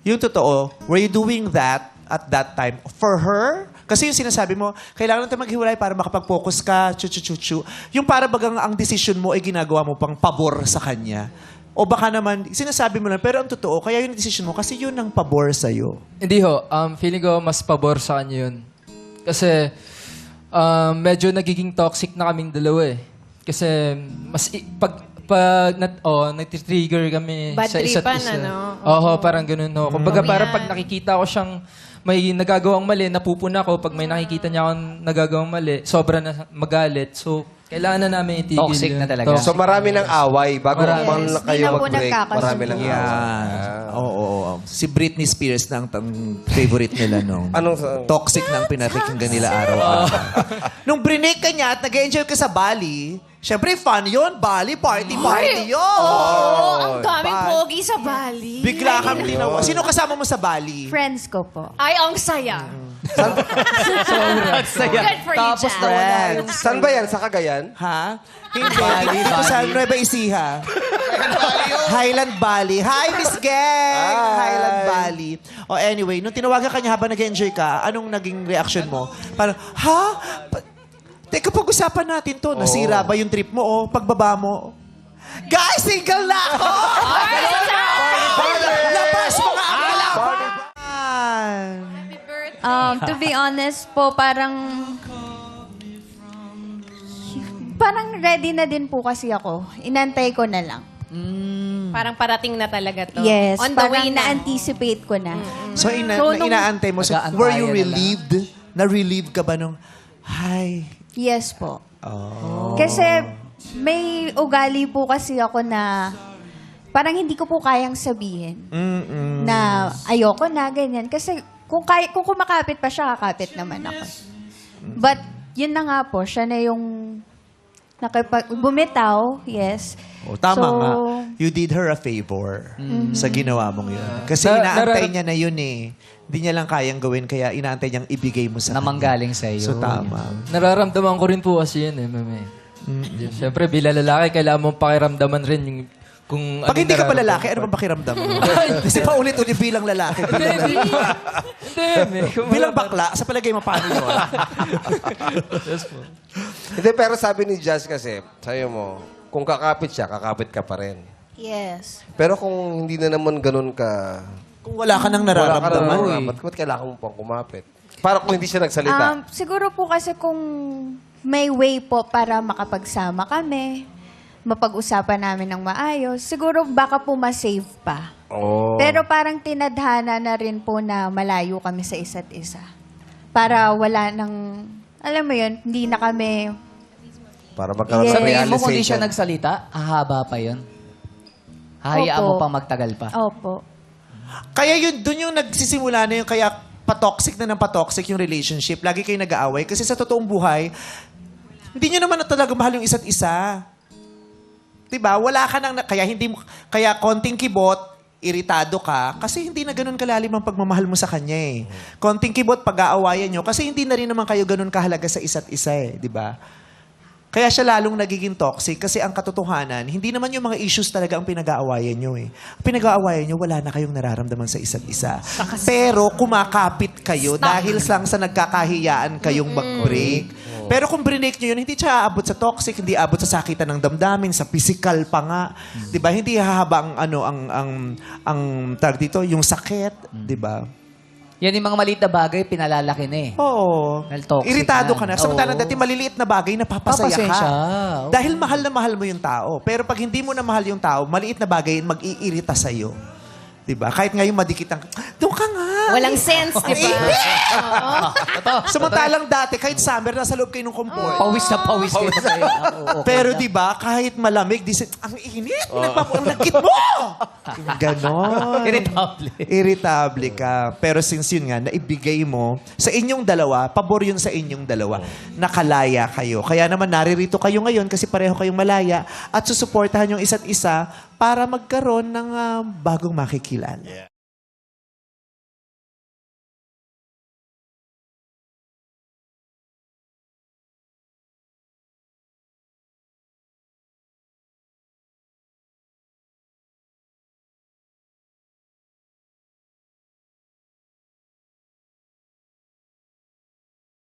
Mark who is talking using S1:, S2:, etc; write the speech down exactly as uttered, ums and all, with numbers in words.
S1: yung totoo, were you doing that at that time for her? Kasi yung sinasabi mo, kailangan natin maghiwalay para makapag-focus ka, chu-chu-chu-chu. Yung para bagang ang decision mo ay ginagawa mo pang pabor sa kanya. O baka naman, sinasabi mo lang, pero ang totoo, kaya yung decision mo, kasi yun ang pabor sa'yo.
S2: Hindi ho. Um, feeling ko mas pabor sa kanya yun. Kasi um, medyo nagiging toxic na kaming dalawa eh. Kasi mas i- pag pag nat oh, nagti-trigger kami
S3: Bad
S2: sa isa't
S3: tripan,
S2: isa.
S3: ano?
S2: Oo, parang ganun ho. Kumbaga
S3: Mm.
S2: parang
S3: Yan.
S2: pag nakikita ko siyang may nagagawang mali, napupuna ko. Pag may nakikita niya akong nagagawang mali, sobra na magalit. So, kailangan na namin itigil
S4: Toxic
S2: yun.
S4: na talaga.
S2: Toxic.
S5: So marami ng away bago
S2: Marami.
S5: bang
S3: Yes,
S5: kayo
S3: di na po
S5: mag-break.
S3: nagkakasunod.
S5: Marami ng away.
S1: Yan. Oo, oo, oo. Si Britney Spears na ang tang- favorite nila nung
S5: Anong sa-
S1: toxic na ang pinapakinggan nila araw-araw. Nung brinake ka niya at nag-enjoy ka sa Bali, syempre fun yun. Bali, party, party yun.
S3: Oo, ang daming
S1: Bali.
S3: pogi sa Bali.
S1: Bigla kang tinawa. Sino kasama mo sa Bali?
S6: Friends ko po.
S3: Ay, ang saya.
S4: Sobrang saya.
S3: Good for you,
S4: Tapos
S3: Jack.
S4: nawala yung...
S5: Saan ba yan? Sa Cagayan?
S1: Ha? Hindi.
S4: Bali,
S1: Dito sa
S4: Bali.
S1: Nueva Ecija. Highland Valley. Hi, Miss Gang!
S5: Hi.
S1: Highland Valley. O anyway, nung tinawagan ka niya habang nag-enjoy ka, anong naging reaction mo? Parang, ha? Pa- Teka, pag-usapan natin to. Nasira ba yung trip mo o pagbaba mo? Guys, single na ako! Labas mga akalapan!
S6: Um, to be honest po, parang... Parang ready na din po kasi ako. Inantay ko na lang.
S3: Parang parating na talaga to.
S6: Yes,
S3: On the
S6: parang
S3: way na.
S6: na-anticipate ko na.
S1: So, ina-
S6: So,
S1: na-
S6: nung-
S1: inaantay mo. So,
S4: Mag-aantayan
S1: were you
S4: na lang.
S1: relieved? Na-relieved ka ba nung, hi?
S6: Yes po.
S1: Oh.
S6: Kasi may ugali po kasi ako na parang hindi ko po kayang sabihin
S1: Mm-mm.
S6: na ayoko na, ganyan. Kasi kung, kaya, kung kumakapit pa siya, kakapit naman ako. But yun na nga po, siya na yung nakipag, bumitaw, yes.
S1: Oh, tama
S6: So,
S1: nga. You did her a favor sa ginawa mong yun. Kasi
S2: Na-
S1: inaantay
S2: narar-
S1: niya na yun eh. Hindi niya lang kayang gawin, kaya inaantay niyang ibigay mo sa
S4: Na
S1: kanya.
S4: manggaling sa iyo.
S1: So, tama.
S2: Nararamdaman ko rin po kasi yun eh, mame. Siyempre, bilang lalaki, kailangan mong pakiramdaman rin yung kung
S1: Pag
S2: anong
S1: hindi ka pa
S2: nararamdaman
S1: lalaki,
S2: ko.
S1: ano bang pakiramdam mo? Kasi paulit-ulit bilang lalaki.
S2: Hindi,
S1: Bilang,
S2: hindi. Hindi, me. Kung
S1: bilang
S2: wala-
S1: bakla, sa palagay mo paano yun?
S2: Yes po.
S5: Hindi, pero sabi ni Jazz kasi, sayo mo, kung kakapit siya, kakapit ka pa rin.
S6: yes.
S5: Pero kung hindi na naman ganun ka,
S1: Kung wala ka nang
S5: wala ka
S1: nararamdaman.
S5: na,
S1: eh.
S5: ba't, ba't kailangan mo pang kumapit? Para kung hindi siya nagsalita.
S6: Um, siguro po kasi kung may way po para makapagsama kami, mapag-usapan namin ng maayos, siguro baka po ma-save pa.
S5: oh.
S6: Pero parang tinadhana na rin po na malayo kami sa isa't isa. Para wala nang, alam mo yun, hindi na kami,
S5: Para magkaroon
S6: Yes.
S4: Sa
S5: ng
S4: tingin mo, kung di siya
S5: realization.
S4: nagsalita, hahaba pa yun? Hayaan
S6: Opo.
S4: mo pang magtagal pa?
S6: opo.
S1: Kaya yun, dun yung nagsisimula na yung kaya patoxic na ng patoxic yung relationship. Lagi kayo nag-aaway. Kasi sa totoong buhay, hindi nyo naman na talaga mahal yung isa't isa. Diba? Wala ka nang, kaya hindi mo, kaya konting kibot, iritado ka, kasi hindi na ganun kalalim ang pagmamahal mo sa kanya eh. Konting kibot, pag-aawayan nyo, kasi hindi na rin naman kayo ganun kahalaga sa isa't isa eh. Diba? Kaya siya lalong nagiging toxic kasi ang katotohanan, hindi naman yung mga issues talaga ang pinag-aawayan nyo eh. Ang pinag-aawayan nyo, wala na kayong nararamdaman sa isa't isa. Pero kumakapit kayo dahil lang sa nagkakahiyaan kayong mag-break. Pero kung brinake nyo yun, hindi siya aabot sa toxic, hindi aabot sa sakitan ng damdamin, sa physical pa nga. 'Di ba? Hindi hahaba ang ano ang ang ang tag dito, yung sakit, 'di ba?
S4: Yan yung mga maliit na bagay, pinalalaki na eh.
S1: Oo.
S4: Dahil toxic
S1: Iritado
S4: na.
S1: ka na. Samantalang
S4: Oo.
S1: dati maliliit na bagay, napapasaya ka.
S4: Papasensya. Oo.
S1: Dahil mahal na mahal mo yung tao. Pero pag hindi mo na mahal yung tao, maliit na bagay, mag-iirita sa'yo. Diba? Kahit ngayon madikit ang, doon ka nga.
S3: Walang sense, di ba?
S1: Samantalang dati, kahit summer, nasa loob kayo ng comfort.
S4: Pawis na pawis kayo sa'yo.
S1: Pero di ba kahit malamig, di, ang init, nagpapu- ang nagkit mo! Ganon.
S4: Irritable.
S1: Irritable ka. Pero since yun nga, naibigay mo sa inyong dalawa, pabor yun sa inyong dalawa, nakalaya kayo. Kaya naman naririto kayo ngayon kasi pareho kayong malaya at susuportahan yung isa't isa para magkaroon ng ah, bagong makikilala.